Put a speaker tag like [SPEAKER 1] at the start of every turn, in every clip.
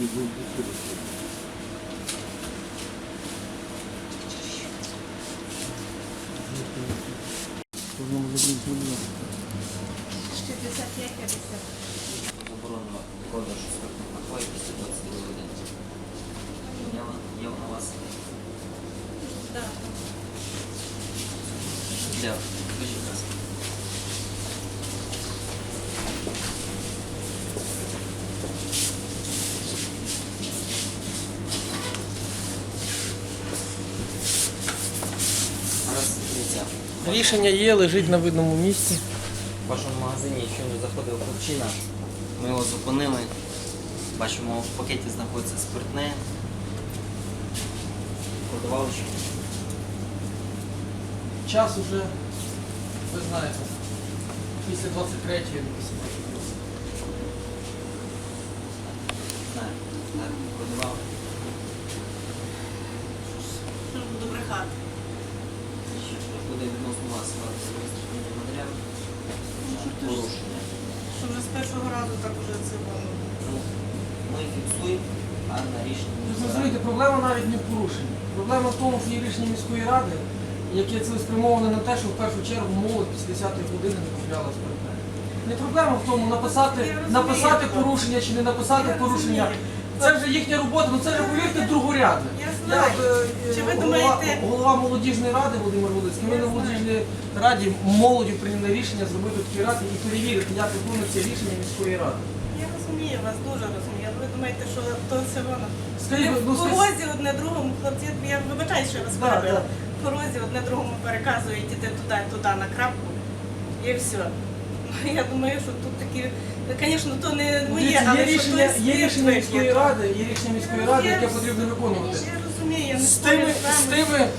[SPEAKER 1] Заборонено продаж спиртних напоїв після 22 години. Є у вас?
[SPEAKER 2] Так.
[SPEAKER 1] Для вищих раз.
[SPEAKER 3] Рішення є, лежить на видному місці.
[SPEAKER 1] В вашому магазині щойно заходив хлопчина, ми його зупинили, бачимо, в пакеті знаходиться спиртне, продавали що?
[SPEAKER 3] Час уже, ви знаєте, після 23-ї.
[SPEAKER 1] Знаю, так, продавали.
[SPEAKER 2] Що буду брехати?
[SPEAKER 1] Що буде відносно вас реєстраційний матеріал? Порушення.
[SPEAKER 2] Що вже з першого разу так уже це було.
[SPEAKER 1] Ну, ми фіксуємо, а на рішення
[SPEAKER 3] Ви розумієте, проблема навіть не в порушенні. Проблема в тому, що є рішення міської ради, яке цілеспрямоване на те, що в першу чергу молодь після 10-ї години не купляла спиртне. Не проблема в тому, написати порушення чи не написати порушення. Це вже їхня робота, ну це вже, повірте, другорядне.
[SPEAKER 2] Я знаю. Чи ви думаєте...
[SPEAKER 3] Голова молодіжної ради Володимир Володимирович, ми на молодіжній раді молоді прийняли рішення зробити такі ради і перевірити, як виконується рішення міської ради.
[SPEAKER 2] Я розумію вас, дуже розумію. Ви думаєте, що то все воно?
[SPEAKER 3] Скажіть,
[SPEAKER 2] Ви
[SPEAKER 3] ну,
[SPEAKER 2] в порозі одне другому, хлопці, я вибачаю, що я вас перебила. В порозі одне другому переказують, іти туди на крапку і все. Я думаю, що тут такі, звісно, то не моє,
[SPEAKER 3] Дивіться,
[SPEAKER 2] але
[SPEAKER 3] є
[SPEAKER 2] що
[SPEAKER 3] рішення,
[SPEAKER 2] хтось
[SPEAKER 3] є рішення міської
[SPEAKER 2] є.
[SPEAKER 3] ради, яке потрібно виконувати.
[SPEAKER 2] Я розумію, я не
[SPEAKER 3] З
[SPEAKER 2] спорю
[SPEAKER 3] тими,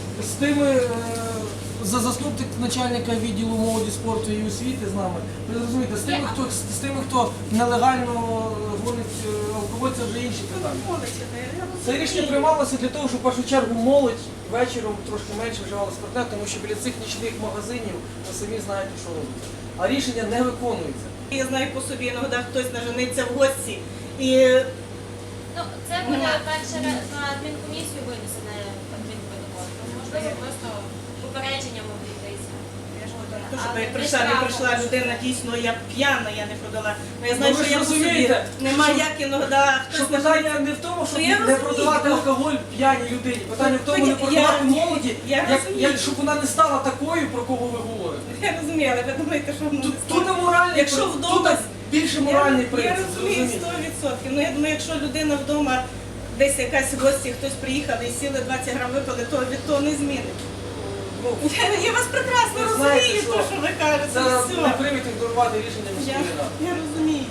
[SPEAKER 3] за заступник начальника відділу молоді, спорту і освіти з нами. Ви розумієте, з тими, хто нелегально гонить алкоголь, це вже інші питання. Це рішення приймалося для того, щоб в першу чергу молодь вечором трошки менше вживала спиртне, тому що біля цих нічних магазинів ви самі знаєте, що робиться. А рішення не виконується.
[SPEAKER 2] Я знаю по собі, іноді хтось нажениться в гості. І
[SPEAKER 4] Ну, це буде перше на адмінкомісію винесене адмінпротокол. Можливо, просто попередження могли йдеться.
[SPEAKER 2] то, щоб як не прийшла людина, дійсно, я п'яна, я не продала. Ну, я знаю,
[SPEAKER 3] Ну, ви
[SPEAKER 2] що
[SPEAKER 3] ж
[SPEAKER 2] я по собі
[SPEAKER 3] розумієте,
[SPEAKER 2] немає
[SPEAKER 3] що-
[SPEAKER 2] як іноді
[SPEAKER 3] Що
[SPEAKER 2] хтось
[SPEAKER 3] питання
[SPEAKER 2] нажениться.
[SPEAKER 3] не в тому, щоб
[SPEAKER 2] Ну, я
[SPEAKER 3] не
[SPEAKER 2] розумію.
[SPEAKER 3] продавати алкоголь п'яній людині. Питання в тому, не
[SPEAKER 2] Я-
[SPEAKER 3] продавати молоді,
[SPEAKER 2] я розумію.
[SPEAKER 3] щоб вона не стала такою, про кого ви говорите.
[SPEAKER 2] Я розумію, але ви думаєте, що воно не
[SPEAKER 3] Тут не моральний,
[SPEAKER 2] Якщо
[SPEAKER 3] тут
[SPEAKER 2] вдома-
[SPEAKER 3] більше моральний
[SPEAKER 2] Я
[SPEAKER 3] принцип.
[SPEAKER 2] розумію
[SPEAKER 3] зрозумійте.
[SPEAKER 2] 100%. Ну я думаю, якщо людина вдома десь якась в гості, хтось приїхав і сіли 20 грам випили, то від того не змінить. Я вас прекрасно
[SPEAKER 3] Ви знаєте,
[SPEAKER 2] розумію,
[SPEAKER 3] що
[SPEAKER 2] то, що ви кажете.
[SPEAKER 3] Це
[SPEAKER 2] все.
[SPEAKER 3] не приймете ігнорувати рішення
[SPEAKER 2] Я,
[SPEAKER 3] міської ради.
[SPEAKER 2] я розумію.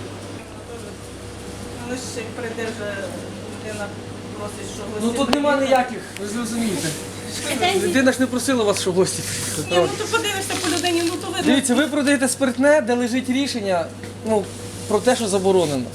[SPEAKER 2] Але ще як прийде вже людина просить, що гості...
[SPEAKER 3] Ну тут нема
[SPEAKER 2] приїхали.
[SPEAKER 3] ніяких, ви зрозумієте. Людина ж не просила вас, щоб гості
[SPEAKER 2] Ні,
[SPEAKER 3] приїхали.
[SPEAKER 2] ну то подивишся по людині, ну то видно.
[SPEAKER 3] Дивіться, ви продаєте спиртне, де лежить рішення про те, що заборонено.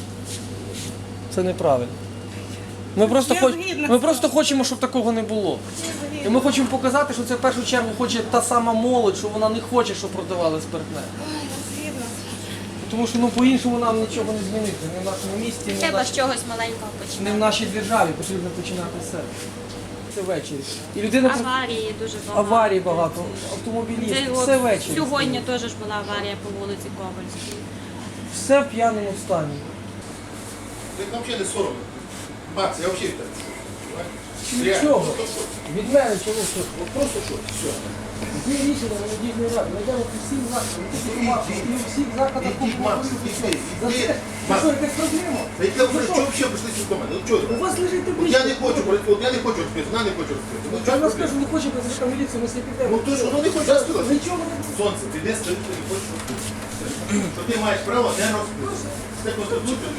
[SPEAKER 3] Це неправильно. Ми просто,
[SPEAKER 2] Я згідна з
[SPEAKER 3] ми просто хочемо, щоб такого не було. І ми хочемо показати, що це в першу чергу хоче та сама молодь, що вона не хоче, щоб продавали спиртне.
[SPEAKER 2] Згідно.
[SPEAKER 3] Тому що по-іншому нам нічого не змінити. Не в нашому місті, не в,
[SPEAKER 4] Треба
[SPEAKER 3] нашій,
[SPEAKER 4] з чогось маленького
[SPEAKER 3] не в
[SPEAKER 4] починати.
[SPEAKER 3] нашій державі. Потрібно починати з себе. Це ввечері. І людина
[SPEAKER 4] Аварії дуже багато.
[SPEAKER 3] аварій багато,
[SPEAKER 4] Це
[SPEAKER 3] автомобілістів,
[SPEAKER 4] от
[SPEAKER 3] все ввечері.
[SPEAKER 4] Сьогодні теж ж була аварія по вулиці Ковальській.
[SPEAKER 3] Все в п'яному стані.
[SPEAKER 5] Ты вообще не соромно. Макс, я вообще это.
[SPEAKER 3] Нічого. Від мене чого що?
[SPEAKER 5] Вот просто что, все.
[SPEAKER 3] Є рішення молодіжної ради. Ми йдемо по всім закладам, не тільки Максу, і у всіх закладах
[SPEAKER 5] Иди, Макс, иди,
[SPEAKER 3] За
[SPEAKER 5] иди.
[SPEAKER 3] це? Це
[SPEAKER 5] Макс,
[SPEAKER 3] що, якась проблема?
[SPEAKER 5] да я уже, что вообще пришли с дома? Ну что
[SPEAKER 3] У
[SPEAKER 5] это?
[SPEAKER 3] вас лежить
[SPEAKER 5] Вот
[SPEAKER 3] табличка.
[SPEAKER 5] я не хочу, вот я не хочу открыть, она не хочет открыть. Ну
[SPEAKER 3] Я
[SPEAKER 5] что
[SPEAKER 3] вам скажу, не хочу призначити міліцію, ми всі підемо.
[SPEAKER 5] Ну то що, ну не хочеш сказати?
[SPEAKER 3] Нічого не буде.
[SPEAKER 5] Сонце, ти десь стоїш, ти не хочеш розкрити. Що ти маєш право не розкрити. Це конституція.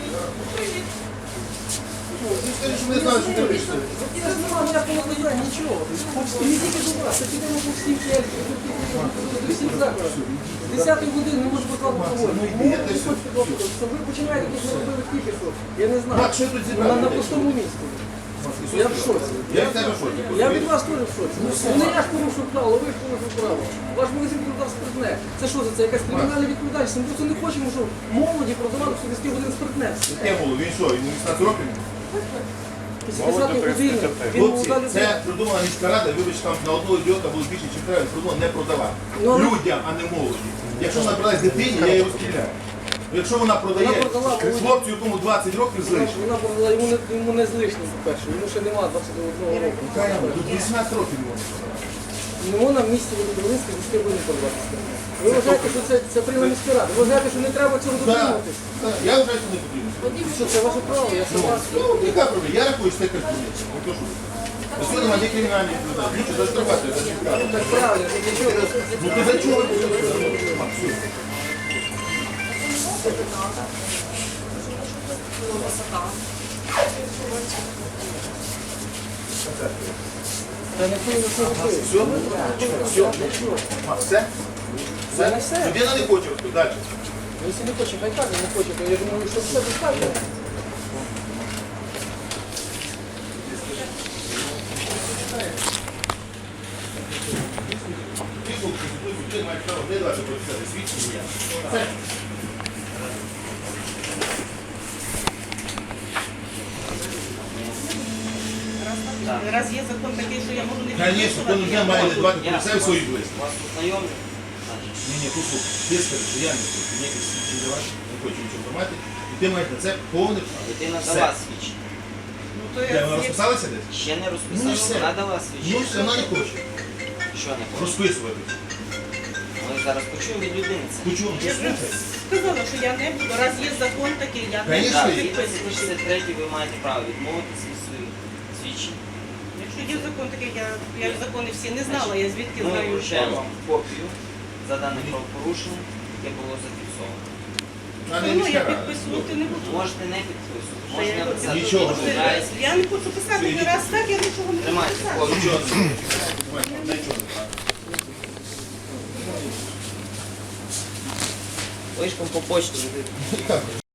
[SPEAKER 5] Ти скажеш, що не знаєш, що ти робиш.
[SPEAKER 3] Я ж немає ніякого питання, нічого. І не тільки до вас, а підемо по всім чергам, до всіх закладах. З 10-ї години не можу поставити алкоголь. Ви починаєте, як ми робили тільки що. Я не знаю.
[SPEAKER 5] Мак, що тут
[SPEAKER 3] На
[SPEAKER 5] зібрали?
[SPEAKER 3] пустому місці. Я в шоці.
[SPEAKER 5] Я в тебе в шоці.
[SPEAKER 3] Я від вас теж в шоці. Ну не я ж порушив право, ви ж порушив право. Ваш магазин продав спиртне. Це що за це? Якась кримінальна відповідальність? Ми просто не хочемо, щоб молоді продавали в 10 годин спиртне.
[SPEAKER 5] Яке було? Він що, йому 18 років?
[SPEAKER 3] Сказати годину, він
[SPEAKER 5] Хлопці,
[SPEAKER 3] молода людина.
[SPEAKER 5] це придумала міська рада, вибачте, там на одного ідіота було більше, чим треба, придумала не продавати.
[SPEAKER 3] Ну, але-
[SPEAKER 5] Людям, а не молоді. Якщо вона продасть дитині, я її розстріляю. Якщо вона продає
[SPEAKER 3] Вона продала молоді.
[SPEAKER 5] хлопцю, якому 20 років злише,
[SPEAKER 3] Вона продала, йому не з лишнім, по-перше, йому ще немає 21 року.
[SPEAKER 5] тут 18 років можна.
[SPEAKER 3] Не можна в місті Володимирській міській не подаватися. Ви вважаєте, що це прийняла міська рада? Ви вважаєте, що не треба цього
[SPEAKER 5] Так,
[SPEAKER 3] дотримуватись?
[SPEAKER 5] так, я вважаю, що не потрібно.
[SPEAKER 3] Що це ваше право, я согласен.
[SPEAKER 5] Ну, яка проблема? Я рахую, що це калькуляція. Ну, то що? Ось сьогодні немає кримінальних людей. Нічого, заштрафати, це цікаво.
[SPEAKER 3] Так правильно, ну для чого?
[SPEAKER 5] Ну ти за чого?
[SPEAKER 3] Та ніхто не це робить.
[SPEAKER 5] Все?
[SPEAKER 3] Це не все.
[SPEAKER 5] Людина не хоче робити. Далі.
[SPEAKER 3] Ну, якщо не хоче, хай каже, не хоче, то я думаю, що все достатньо.
[SPEAKER 5] Ті, хто конституцію людей мають право не дати прочитати свідчення. Це.
[SPEAKER 2] Раз є закон такий, що я можу не
[SPEAKER 5] Звісно, кожен день має не дбати про себе і свої близькі.
[SPEAKER 1] Вас ознайомлю.
[SPEAKER 5] Ні, тут слухай, ти скажи, що я не хочу, ніяких свідчень давати, не хочу нічого тримати, і ти маєш на це повне право.
[SPEAKER 1] Дитина
[SPEAKER 5] Все.
[SPEAKER 1] дала свідчення.
[SPEAKER 2] Ну, то
[SPEAKER 5] Де, вона розписалася десь?
[SPEAKER 1] Ще не
[SPEAKER 5] Ну,
[SPEAKER 1] розписала,
[SPEAKER 5] все.
[SPEAKER 1] вона дала
[SPEAKER 5] Ну,
[SPEAKER 1] свідчення.
[SPEAKER 5] все, вона не хоче
[SPEAKER 1] Що не хоче?
[SPEAKER 5] розписувати.
[SPEAKER 1] Ми зараз почуємо від людини це.
[SPEAKER 5] Почув,
[SPEAKER 2] Я вже сказала, що я не буду. Раз є закон такий, я не
[SPEAKER 5] Конечно,
[SPEAKER 1] Так,
[SPEAKER 2] буду
[SPEAKER 5] є.
[SPEAKER 1] згідно
[SPEAKER 2] підписувати.
[SPEAKER 1] 63 ви маєте право відмовитися від своїх свідчень.
[SPEAKER 2] Якщо є закон такий, я закони всі не знала, я звідки
[SPEAKER 1] Ми
[SPEAKER 2] знаю.
[SPEAKER 1] вручаємо вам копію за дане правопорушення, яке було зафіксовано.
[SPEAKER 5] А не
[SPEAKER 2] Ну,
[SPEAKER 5] міська
[SPEAKER 2] я
[SPEAKER 5] рада.
[SPEAKER 2] підписувати не буду.
[SPEAKER 1] Можете не підписувати,
[SPEAKER 2] Та
[SPEAKER 1] можете
[SPEAKER 2] я його
[SPEAKER 1] написати.
[SPEAKER 5] Нічого.
[SPEAKER 1] що відмовляєтесь.
[SPEAKER 2] Я не хочу писати, ні раз так, я нічого не буду
[SPEAKER 1] Тримайте
[SPEAKER 2] писати.
[SPEAKER 1] копію.
[SPEAKER 5] Нічого не хоче. Нічого не хоче.
[SPEAKER 1] Вишком по почті.
[SPEAKER 5] Так.